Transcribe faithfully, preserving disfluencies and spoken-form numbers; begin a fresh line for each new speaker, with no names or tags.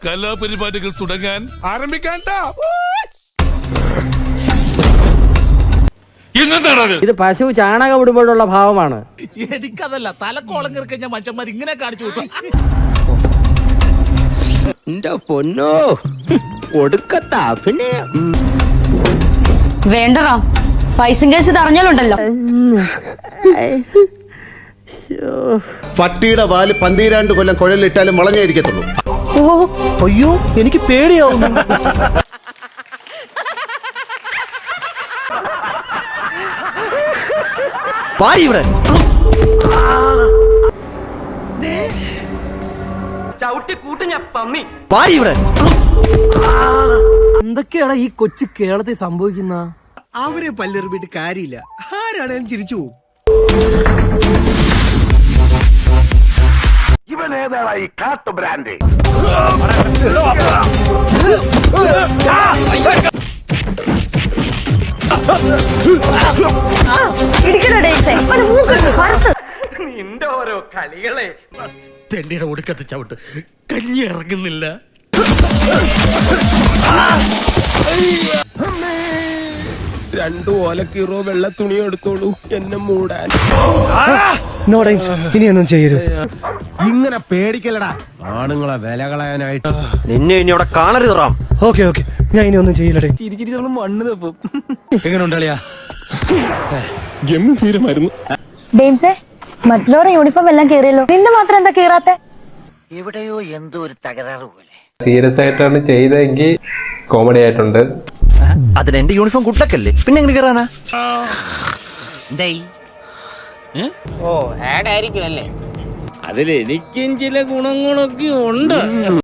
കലാപരിപാടികൾ തുടങ്ങാൻ ആരംഭിക്കാൻ.
ഇത് പശു ചാണകം ഇടുമ്പോഴുള്ള ഭാവമാണ്.
എനിക്കതല്ല, തലക്കോളം കിറക്കഞ്ഞ മനുഷ്യന്മാർ ഇങ്ങനെ കാണിച്ചു വിട്ടു.
എന്റെ പൊന്നോ, ഒടുക്കത്ത അഭിനയം.
വേണ്ടടാ, ഫൈസിംഗ് കേസ് ഇത് അറിഞ്ഞാലുണ്ടല്ലോ.
പട്ടിയുടെ പാല് പന്തീരാണ്ട് കൊല്ലം കുഴലിട്ടാലും മുളഞ്ഞായിരിക്കത്തുള്ളൂ.
ഓ അയ്യോ, എനിക്ക് പേടിയാവുന്നു. ഇവിടെ
എന്തൊക്കെയാണ് ഈ കൊച്ചു കേരളത്തിൽ സംഭവിക്കുന്ന?
അവരെ പല്ലെറിഞ്ഞിട്ട് കാര്യമില്ല, ആരാണേലും ചിരിച്ചു പോകും.
ഇവനേതായി കാട്ടു ബ്രാൻഡ്?
നിന്റെ ഓരോ കളികളെ. തെണ്ടിയുടെ ഒടുക്കത്തെ ചവിട്ട്, കഞ്ഞി ഇറങ്ങുന്നില്ല.
രണ്ടു ഓലക്കീറോ വെള്ള തുണി എടുത്തോളൂ എന്നെ മൂടാൻ.
ഇനിയൊന്നും ചെയ്യരുത്.
ഇങ്ങനെ പേടിക്കലടാ, ആണുങ്ങളെ വില കളയാനായിട്ട്.
നിന്നെ ഇനി അവിടെ കാണരുത് റാം.
ഓക്കെ ഓക്കെ, ഞാൻ ഇനി ഒന്നും ചെയ്യില്ലടേ.
ചിരിച്ചിരി നമ്മൾ മണ്ണ് തപ്പും.
എങ്ങനെ ഉണ്ടളിയാ? ഗംഭീരമായിരുന്നു.
ഡെയിംസേ, മറ്റുള്ളവരുടെ യൂണിഫോം എല്ലാം കീറിയല്ലോ, നിന്റെ മാത്രം എന്താ കീറാത്തെ?
എവിടെയോ എന്തോ ഒരു തകരാറ് പോലെ.
സീരിയസ് ആയിട്ടാണ് ചെയ്തെങ്കിൽ കോമഡി ആയിട്ടുണ്ട്.
അതിന് എന്റെ യൂണിഫോം കുട്ടക്കല്ലേ, പിന്നെ എങ്ങനെ കയറാനാ?
ഓ ആഡ് ആയിരിക്കും അല്ലേ?
അതിലെനിക്കും ചില ഗുണങ്ങളൊക്കെ ഉണ്ട്.